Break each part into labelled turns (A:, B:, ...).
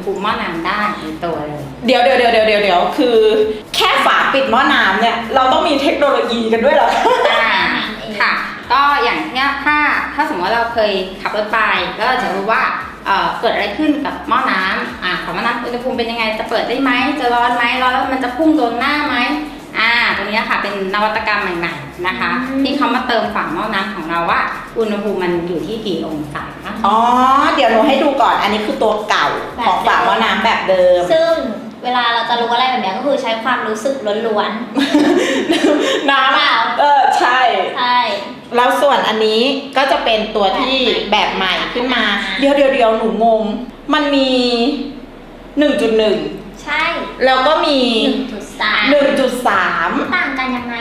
A: ภูมิหม้อน้ำได้ในตัวเลย
B: เดี๋ยวคือแค่ฝาปิดหม้อน้ำเนี่ยเราต้องมีเทคโนโลยีกันด้วยเหรอ
A: ค่ะ ก็อย่างเนี้ยถ้าสมมติว่าเราเคยขับรถไปก็จะรู้ว่าเกิดอะไรขึ้นกับหม้อน้ำของหม้อน้ำอุณหภูมิเป็นยังไงจะเปิดได้ไหมจะร้อนไหมร้อนแล้วมันจะพุ่งโดนหน้าไหมตรงนี้ค่ะเป็นนวัตกรรมใหม่ๆนะคะที่เขามาเติมฝาหม้อน้ำของเราว่าอุณหภูมิมันอยู่ที่กี่องศา
B: อ๋อเดี๋ยวหนูให้ดูก่อนอันนี้คือตัวเก่าของฝาหม้อน้ำแบบเดิม
C: ซึ่งเวลาเราจะรู้อะไรแบบนี้ก็คือใช้ความรู้สึกล้วน
B: ๆน้ำใช่แล้วส่วนอันนี้ก็จะเป็นตัวที่แบบใหม่ขึ้นมาเดี๋ยวหนูงงมันมี 1.1
C: ใช่
B: แล้วก็มี
C: 1.3 ต่างกันยังไง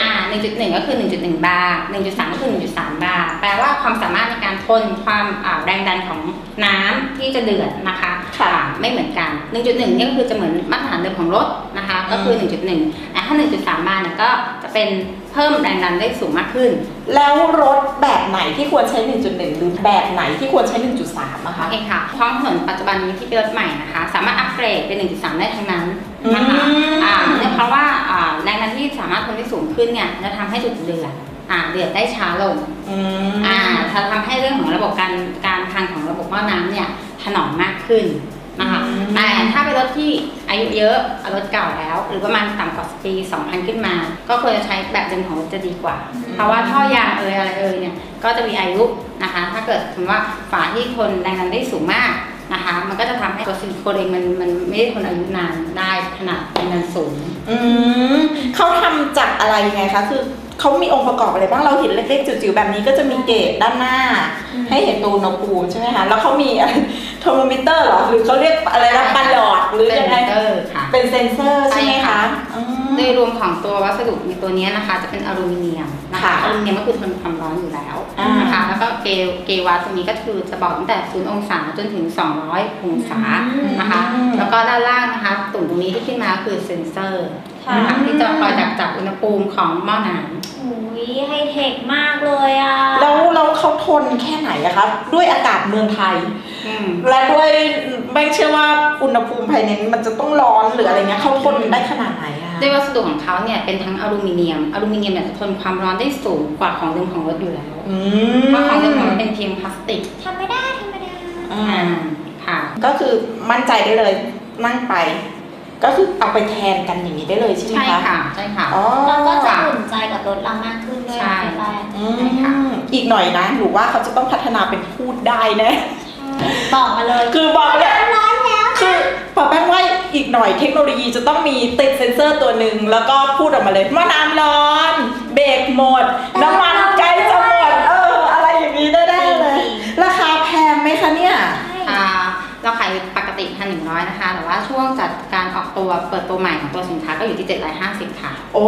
A: 1.1 ก็คือ 1.1 บาร์ 1.3 ก็คือ 1.3 บาร์แปลว่าความสามารถในการทนความแรงดันของน้ำที่จะเดือดนะคะไม่เหมือนกัน 1.1 นี่ก็คือจะเหมือนมาตรฐานเดิมของรถนะคะก็คือ 1.1 ถ้า 1.3 บาร์เนี่ยก็จะเป็นเพิ่มแรงดันได้สูงมากขึ้น
B: แล้วรถแบบไหนที่ควรใช้ 1.1 หรือแบบไหนที่ควรใช้ 1.3 นะคะ
A: โอเคค่ะท้องถนนปัจจุบันนี้ที่เป็นรถใหม่นะคะสามารถอัปเกรดเป็น 1.3 ได้ทั้งนั้นนะคะเพราะว่าแรงดันที่สามารถทนได้สูงขึ้นเนี่ยจะทำให้จุดเดือดได้ช้าลงจะทำให้เรื่องของระบบการพังของระบบหม้อน้ำเนี่ยถนอมมากขึ้นนะคะแต่ถ้าเป็นรถที่อายุเยอะรถเก่าแล้วหรือประมาณต่ำกว่าปี 2000 ขึ้นมาก็ควรจะใช้แบบเดิมของรถจะดีกว่าเพราะว่าท่อยางอะไรเนี่ยก็จะมีอายุนะคะถ้าเกิดสมมติว่าฝาที่ทนแรงดันได้สูงมากนะคะมันก็จะทำให้ตัวซิลิโคนเองมันไม่ได้ทนอายุนานได้ขนาดแรงดันสูง
B: เขาทำจากอะไรยังไงคะคือเขามีองค์ประกอบอะไรบ้างเราเห็นเล็กๆจิ๋วๆแบบนี้ก็จะมีเกจด้านหน้าให้เห็นตัวอุณหภูมิใช่ไหมคะแล้วเขามีเทอร์โมมิเตอร์หรอหรือเขาเรียกอะไรนะปลอดหรือยังไงเป็นเซนเซอร์ใช่ไหมคะ
A: โดยรวมของตัววัสดุในตัวนี้นะคะจะเป็นอลูมิเนียมนะคะอลูมิเนียมก็คือทนความร้อนอยู่แล้วนะคะแล้วก็เกวัตตรงนี้ก็คือจะบอกตั้งแต่0 องศาจนถึง200 องศานะคะแล้วก็ด้านล่างนะคะตุ่มตรงนี้ที่ขึ้นมาคือเซนเซอร์นะคะที่จะคอยจับอุณหภูมิของหม้อน้ำ
C: อุ้ยไฮเทคมากเลย
B: แล้วเขาทนแค่ไหนอะคะด้วยอากาศเมืองไทยและด้วยไม่เชื่อว่าอุณหภูมิภายในมันจะต้องร้อนหรืออะไรเงี้ยเขาทนได้ขนาดไหนอะ
A: ด้วยวัสดุของเขาเนี่ยเป็นทั้งอลูมิเนียมเนี่ยจะทนความร้อนได้สูงกว่าของเดิมของรถอยู่แล้วเพราะของเดิมของรถเป็นเพียงพลาสติก
C: ธรรมดา
A: ค่ะ
B: ก็คือมั่นใจได้เลยนั่งไปก็คือเอาไปแทนกันอย่างนี้ได้เลยใช่ไหมคะ
A: ใช่ค่ะ
C: แล้วก็จะอุ่นใจกับรถเรามากขึ้นด้วย
A: ใช่
B: ค่ะอีกหน่อยนะหรือว่าเขาจะต้องพัฒนาเป็นพูดได้แน่
C: บอกมาเลย
B: คือบอกเลยคือพอแป้งว่าอีกหน่อยเทคโนโลยีจะต้องมีติดเซ็นเซอร์ตัวหนึ่งแล้วก็พูดออกมาเลยว่าน้ำร้อนเบรกหมดน้ำมันใกล้จะหมดอะไรอย่างนี้ได้เลยราคาแพงไหมคะเนี่ย
A: เราขายปกติ 1,100 นะคะแต่ว่าช่วงจัดการออกตัวเปิดตัวใหม่ของตัวสินค้าก็อยู่ที่750ค่ะ
B: โอ้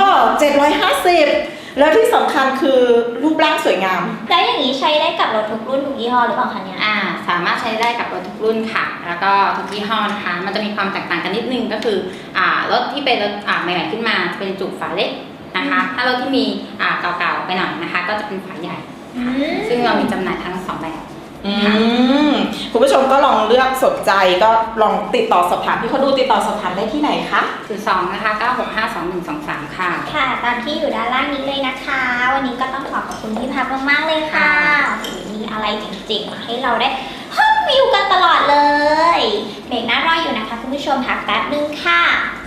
B: 750แล้วที่สำคัญคือรูปร่างสวยงาม
C: แล้วอย่างนี้ใช้ได้กับรถทุกรุ่นทุกยี่ห้อหรือเปล่าคะเนี่ย
A: สามารถใช้ได้กับรถทุกรุ่นค่ะแล้วก็ทุกยี่ห้อนะคะมันจะมีความแตกต่างกันนิดนึงก็คือรถที่เป็นรถใหม่ๆขึ้นมาจะเป็นจุกฝาเล็กนะคะถ้ารถที่มีเก่าๆไปหน่อยนะคะก็จะเป็นฝาใหญ่ซึ่งเรามีจำหน่ายทั้ง2แบบ
B: คุณผู้ชมก็ลองเลือกสนใจก็ลองติดต่อสอบถามที่เขาดูติดต่อสอบถามได้ที่ไหนคะ
A: 02นะคะ9652123ค่ะ
C: ค่ะตามที่อยู่ด้านล่างนี้เลยนะคะวันนี้ก็ต้องขอบคุณพี่พับมากๆเลยค่ะมีอะไรจริงๆมาให้เราได้รีวิวกันตลอดเลยเบรกหน้ารออยู่นะคะคุณผู้ชมพักแป๊บนึงค่ะ